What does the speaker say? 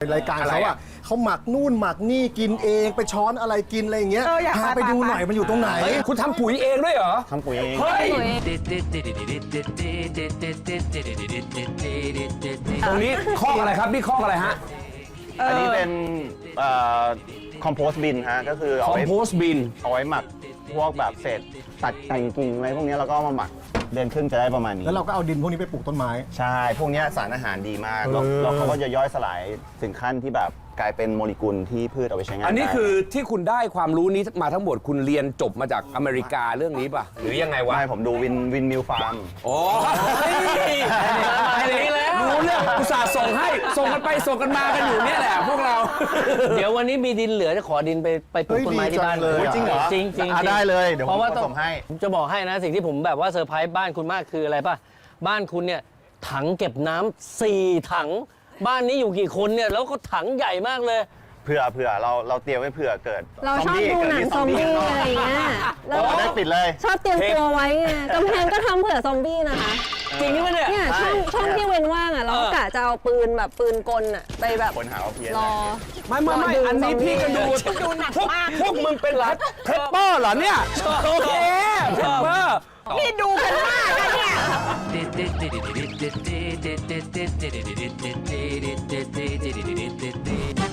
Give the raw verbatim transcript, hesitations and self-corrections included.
รายการเขาอ่ะเขาหมักนู่นหมักนี่กินเองไปช้อนอะไรกินอะไรอย่างเงี้ยพาไปดูหน่อยมันอยู่ตรงไหนคุณทำปุ๋ยเองด้วยเหรอทำปุ๋ยเองเฮ้ยตรงนี้คอกอะไรครับนี่คอกอะไรฮะอันนี้เป็นคอมโพสต์บินฮะก็คือคอมโพสต์บินเอาไว้หมักพวกแบบเศษตัดแต่งกิ่งอะไรพวกนี้แล้วก็มาหมักเดือนครึ่งจะได้ประมาณนี้แล้วเราก็เอาดินพวกนี้ไปปลูกต้นไม้ใช่พวกนี้สารอาหารดีมากแล้วเขาก็จะย่อยสลายถึงขั้นที่แบบกลายเป็นโมเลกุลที่พืชเอาไปใช้งานอันนี้คือที่คุณได้ความรู้นี้มาทั้งหมดคุณเรียนจบมาจากอเมริกาเรื่องนี้ป่ะหรือยังไงวะไม่ผมดูวินวินมิลฟาร์มโอ้ยนี่แล้วรู้เรื่องอุตส่าห์ส่งให้ส่งกันไปส่งกันมากันอยู่เนี่ยแหละพวกเราเดี๋ยววันนี้มีดินเหลือจะขอดินไปไปปลูกต้นไม้ที่บ้านเลยจริงเหรอจริงจริงได้เลยเดี๋ยวผมผสมให้ผมจะบอกให้นะสิ่งที่ผมแบบว่าเซอร์ไพรส์บ้านคุณมากคืออะไรป่ะบ้านคุณเนี่ยถังเก็บน้ำสี่ถังบ้านนี้อยู่กี่คนเนี่ยแล้วก็ถังใหญ่มากเลยเผื่อเผื่อเราเราเตรียมไว้เผื่อเกิดเราชอบดูหนังซอมบี้อะไรอย่างเงี้ยเราได้ติดเลยชอบเตรียมตัวไว้ไงกำแพงก็ทำเผื่อซอมบี้นะคะจริงไหมเนี่ยเนี่ยช่องช่องที่เว้นว่างอ่ะเรากะจะเอาปืนแบบปืนกลอ่ะไปแบบคนหาเอาเพี้ยนรอไม่ไม่ไม่อันนี้พี่ก็ดูดูหนักมากพวกมึงเป็นเพปเปอร์เหรอเนี่ยโอเคเพปเปอร์พี่ดูกันมากนะเนี่ย